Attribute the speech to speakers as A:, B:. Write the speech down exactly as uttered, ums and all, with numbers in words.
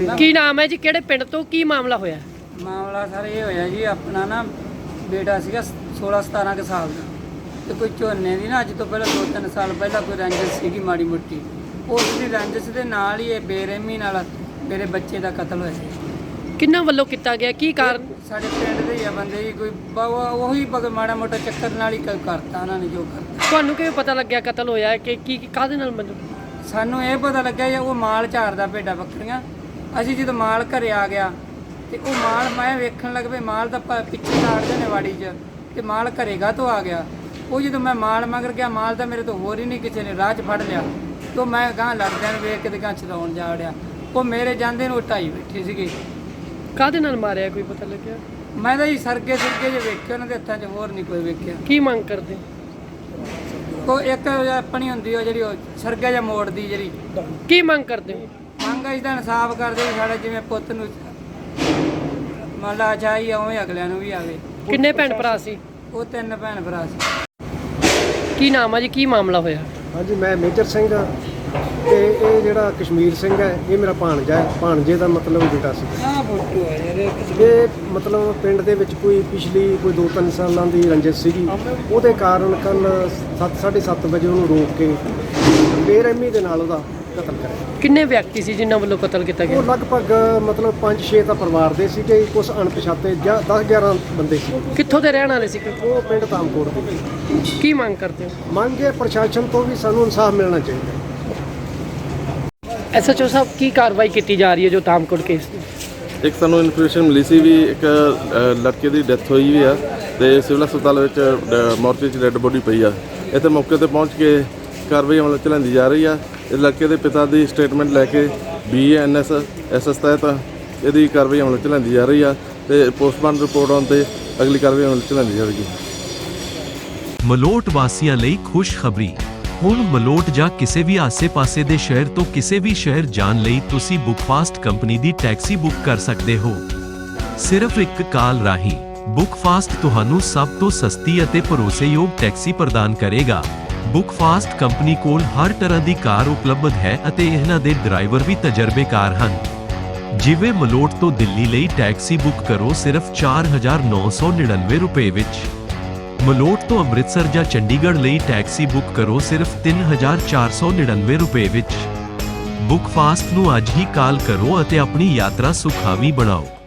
A: ਕੀ ਨਾਮ ਹੈ ਜੀ, ਕਿਹੜੇ ਪਿੰਡ ਤੋਂ ਕੀ ਮਾਮਲਾ ਹੋਇਆ?
B: ਮਾਮਲਾ ਸਰ ਇਹ ਹੋਇਆ ਜੀ, ਆਪਣਾ ਨਾ ਬੇਟਾ ਸੀਗਾ सोलह सतारह के साल का, तो कोई झोने की ना अज तो पहले दो तीन साल पहला कोई रंजिश सी माड़ी मोटी, उसकी रंजिश के नाल ही बेरहमी नाल मेरे बच्चे का कतल होया।
A: किन्ना वल्लों किया गया, की कारण?
B: साडे पिंड दे ही बंदे जी, कोई वही माड़ा मोटा चक्कर नाल ही करता उन्होंने जो करता।
A: तुहानू किवें पता लग्या कतल होया है कि की काहदे नाल? मतलब
B: सानू ये पता लग्या जी, वो माल झाड़दा भेड्डां बकरियां, असीं जदों माल घरे आ गया तो वो माल मैं वेखण लग पे, माल तो पिछे काटदे ने वाड़ी च, तो माल घरेगा तो आ गया। वो जो मैं माल मगर गया, माल तो मेरे तो होर ही नहीं, किसी ने राह च फड़ लिया, तो मैं गांह लड़दे वेख के गांह छड़ाउण जा वड़िया। वो मेरे जांदे नूं ढाई बैठी सीगी।
A: काहदे नाल मारिया, कोई पता लग्या?
B: मैं तो जी सरगे सुरगे जो वेखे उन्हां दे हत्थां च, होर नहीं कोई वेख्या।
A: की मंग करदे?
B: को एक अपनी हुंदी ओ जिहड़ी सरगा ਜਾਂ मोड़दी जिहड़ी,
A: की मंग करदे हो?
B: मंग इसदा इंसाफ करदे साडे जिवें पुੱਤ ਨੂੰ ਮੰਨ ਲਾ ਚਾਹੀ ਉਵੇਂ ਅਗਲਿਆਂ ਨੂੰ ਵੀ ਆਵੇ।
A: किन्ने भैन भरा सी?
B: ਉਹ ਤਿੰਨ ਭੈਣ ਭਰਾ ਸੀ।
A: की नाम है जी, की मामला होया?
C: हाँ जी, मैं मेजर सिंह हाँ, ते ये जिहड़ा कश्मीर सिंह है, ये मेरा भाणजा है, भाणजे का मतलब बेटा सी।
B: ਆਹ ਫੋਟੋ ਹੈ ਯਾਰ,
C: ये मतलब पिंड दे विच कोई पिछली कोई दो तीन सालों की रंजिश सीगी, ਉਹਦੇ ਕਾਰਨ कल सत्त साढ़े सत्त बजे ਉਹਨੂੰ रोक के बेरहमी ਦੇ ਨਾਲ ਉਹਦਾ कतल करिਆ।
A: किन्ने व्यक्ति सी जिन्हां ਵੱਲੋਂ कतल किया
C: ਉਹ
A: गया?
C: ਲਗਭਗ मतलब पाँच छे ਤਾਂ ਪਰਿਵਾਰ ਦੇ ਸੀਗੇ, ਕੁਝ ਅਣਪਛਾਤੇ ਜਾਂ दस ग्यारह ਬੰਦੇ ਸੀ।
A: कित्थों दे रहण वाले सी?
C: ਉਹ ਪਿੰਡ ਤਾਮਕੋਟ ਦੇ।
A: की मंग करते हो?
C: ਮੰਗ ਹੈ ਪ੍ਰਸ਼ਾਸਨ ਤੋਂ ਵੀ ਸਾਨੂੰ ਇਨਸਾਫ ਮਿਲਣਾ ਚਾਹੀਦਾ।
A: एस एच ओ साहब, की कार्रवाई की जा रही है जो तामकोट केस ਦੀ?
D: ਇੱਕ ਸਾਨੂੰ ਇਨਫੋਰਮੇਸ਼ਨ ਮਿਲੀ ਸੀ ਵੀ ਇੱਕ ਅ, ਲੜਕੇ ਦੀ ਡੈਥ ਹੋਈ ਵੀ ਆ ਤੇ ਸਿਵਲ ਹਸਪਤਾਲ ਵਿੱਚ ਡ- ਮੋਰਚੇ 'ਚ ਡੈੱਡ ਬੋਡੀ ਪਈ ਆ। ਇੱਥੇ ਮੌਕੇ ਤੇ ਪਹੁੰਚ ਕੇ ਕਾਰਵਾਈ ਅਮਲ 'ਚ ਲਿਆਂਦੀ ਜਾ ਰਹੀ ਆ। ਇਸ ਲੜਕੇ ਦੇ ਪਿਤਾ ਦੀ ਸਟੇਟਮੈਂਟ ਲੈ ਕੇ B N S S S ਤਹਿਤ ਇਹਦੀ ਕਾਰਵਾਈ ਅਮਲ 'ਚ ਲਿਆਂਦੀ ਜਾ ਰਹੀ ਆ ਤੇ ਪੋਸਟਮਾਰਟਮ ਰਿਪੋਰਟ ਆਉਣ ਤੇ ਅਗਲੀ ਕਾਰਵਾਈ ਅਮਲ 'ਚ ਲਿਆਂਦੀ ਜਾਵੇਗੀ।
E: ਮਲੋਟ ਵਾਸੀਆਂ ਲਈ ਖੁਸ਼ਖਬਰੀ। ਹੁਣ ਮਲੋਟ ਜਾਂ ਕਿਸੇ ਵੀ ਆਸੇ-ਪਾਸੇ ਦੇ ਸ਼ਹਿਰ ਤੋਂ ਕਿਸੇ ਵੀ ਸ਼ਹਿਰ ਜਾਣ ਲਈ ਤੁਸੀਂ ਬੁੱਕਫਾਸਟ ਕੰਪਨੀ ਦੀ ਟੈਕਸੀ ਬੁੱਕ ਕਰ ਸਕਦੇ ਹੋ। ਸਿਰਫ ਇੱਕ ਕਾਲ ਰਾਹੀਂ ਬੁੱਕਫਾਸਟ ਤੁਹਾਨੂੰ ਸਭ ਤੋਂ ਸਸਤੀ ਅਤੇ ਭਰੋਸੇਯੋਗ ਟੈਕਸੀ ਪ੍ਰਦਾਨ ਕਰੇਗਾ। ਬੁੱਕਫਾਸਟ ਕੰਪਨੀ ਕੋਲ ਹਰ ਤਰ੍ਹਾਂ ਦੀ ਕਾਰ ਉਪਲਬਧ ਹੈ ਅਤੇ ਇਹਨਾਂ ਦੇ ਡਰਾਈਵਰ ਵੀ ਤਜਰਬੇਕਾਰ ਹਨ। ਜਿਵੇਂ ਮਲੋਟ ਤੋਂ ਦਿੱਲੀ ਲਈ ਟੈਕਸੀ ਬੁੱਕ ਕਰੋ ਸਿਰਫ ਚਾਰ ਹਜ਼ਾਰ ਨੌ ਸੌ ਨੜਿਨਵੇਂ ਰੁਪਏ ਵਿੱਚ। ਮਲੋਟ ਤੋਂ ਅੰਮ੍ਰਿਤਸਰ ਜਾਂ ਚੰਡੀਗੜ੍ਹ ਲਈ ਟੈਕਸੀ ਬੁੱਕ ਕਰੋ ਸਿਰਫ ਤਿੰਨ ਹਜ਼ਾਰ ਚਾਰ ਸੌ ਨੜਿਨਵੇਂ ਰੁਪਏ ਵਿੱਚ। ਬੁੱਕਫਾਸਟ ਨੂੰ ਅੱਜ ਹੀ ਕਾਲ ਕਰੋ ਅਤੇ ਆਪਣੀ ਯਾਤਰਾ ਸੁਖਾਵੀਂ ਬਣਾਓ।